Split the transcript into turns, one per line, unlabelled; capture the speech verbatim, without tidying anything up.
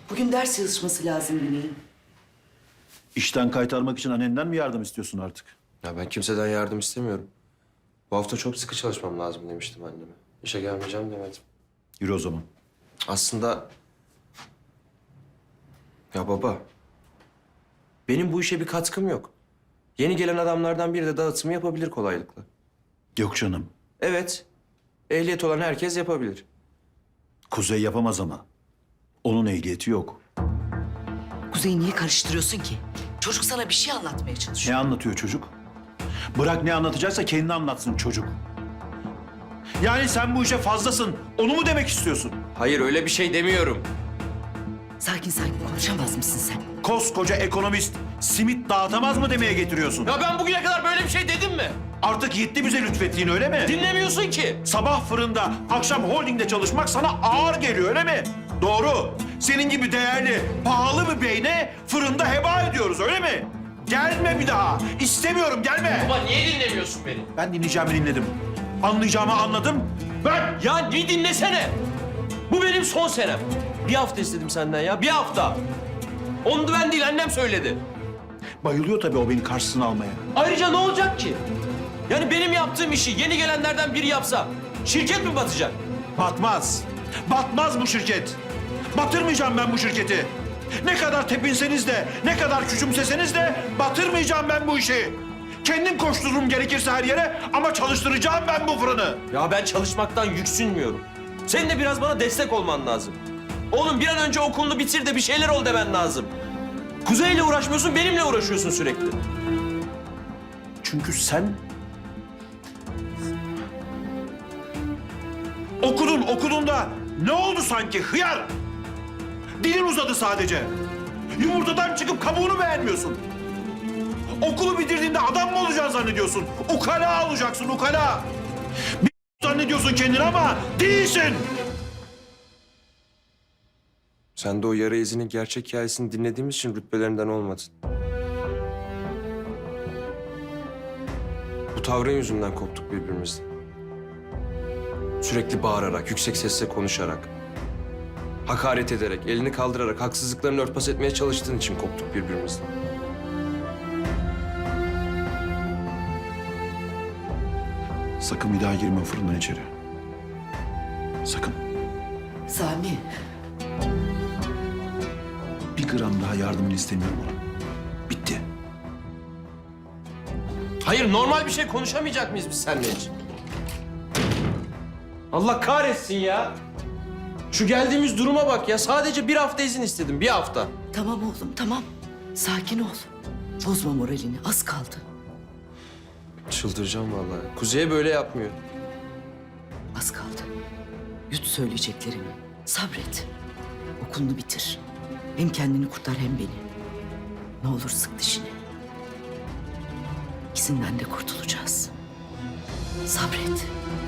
Bugün ders çalışması lazım Güney'in.
İşten kaytarmak için annenden mi yardım istiyorsun artık?
Ya ben kimseden yardım istemiyorum. Bu hafta çok sıkı çalışmam lazım demiştim anneme. İşe gelmeyeceğim demedim.
Yürü o zaman.
Aslında... Ya baba... Benim bu işe bir katkım yok. Yeni gelen adamlardan biri de dağıtımı yapabilir kolaylıkla.
Yok canım.
Evet. Ehliyet olan herkes yapabilir.
Kuzey yapamaz ama. Onun ehliyeti yok.
Kuzey'i niye karıştırıyorsun ki? Çocuk sana bir şey anlatmaya çalışıyor.
Ne anlatıyor çocuk? Bırak ne anlatacaksa kendi anlatsın çocuk. Yani sen bu işe fazlasın. Onu mu demek istiyorsun?
Hayır öyle bir şey demiyorum.
Sakin sakin konuşamaz mısın sen?
Koskoca ekonomist simit dağıtamaz mı demeye getiriyorsun?
Ya ben bugüne kadar böyle bir şey dedim mi?
Artık yetti bize lütfettiğin öyle mi?
Dinlemiyorsun ki.
Sabah fırında, akşam holdingde çalışmak sana ağır geliyor öyle mi? Doğru. Senin gibi değerli, pahalı bir beyne fırında heba ediyoruz öyle mi? Gelme bir daha. İstemiyorum gelme.
Baba niye dinlemiyorsun beni?
Ben dinleyeceğimi dinledim. Anlayacağımı anladım. Ben...
Ya bir dinlesene. Bu benim son senem. Bir hafta istedim senden ya, bir hafta. Onu da ben değil, annem söyledi.
Bayılıyor tabii o beni karşısına almaya.
Ayrıca ne olacak ki? Yani benim yaptığım işi yeni gelenlerden biri yapsa şirket mi batacak?
Batmaz. Batmaz bu şirket. Batırmayacağım ben bu şirketi. Ne kadar tepinseniz de, ne kadar küçümseseniz de batırmayacağım ben bu işi. Kendim koştururum gerekirse her yere ama çalıştıracağım ben bu fırını.
Ya ben çalışmaktan yüksünmüyorum. Senin de biraz bana destek olman lazım. Oğlum bir an önce okulunu bitir de bir şeyler ol demen lazım. Kuzey'le uğraşmıyorsun, benimle uğraşıyorsun sürekli.
Çünkü sen... Okudun, okudun da ne oldu sanki hıyar? Dilin uzadı sadece. Yumurtadan çıkıp kabuğunu beğenmiyorsun. Okulu bitirdiğinde adam mı olacaksın zannediyorsun? Ukala olacaksın, ukala. Bir zannediyorsun kendini ama değilsin.
Sen de o yara izinin gerçek hikayesini dinlediğimiz için rütbelerinden olmadın. Bu tavrın yüzünden koptuk birbirimizden. Sürekli bağırarak, yüksek sesle konuşarak, hakaret ederek, elini kaldırarak, haksızlıklarını örtbas etmeye çalıştığın için koptuk birbirimizden.
Sakın bir daha girme fırından içeri. Sakın.
Sami,
Bir gram daha yardımını istemiyorum ona. Bitti.
Hayır, normal bir şey konuşamayacak mıyız biz seninle hiç? Allah kahretsin ya. Şu geldiğimiz duruma bak ya. Sadece bir hafta izin istedim, bir hafta.
tamam oğlum tamam. Sakin ol. Bozma moralini, az kaldı.
Çıldıracağım vallahi. Kuzey'e böyle yapmıyor.
Az kaldı. Yut söyleyeceklerimi. Sabret. Okulunu bitir. Hem kendini kurtar hem beni. Ne olur sık dişini. İkisinden de kurtulacağız. Sabret.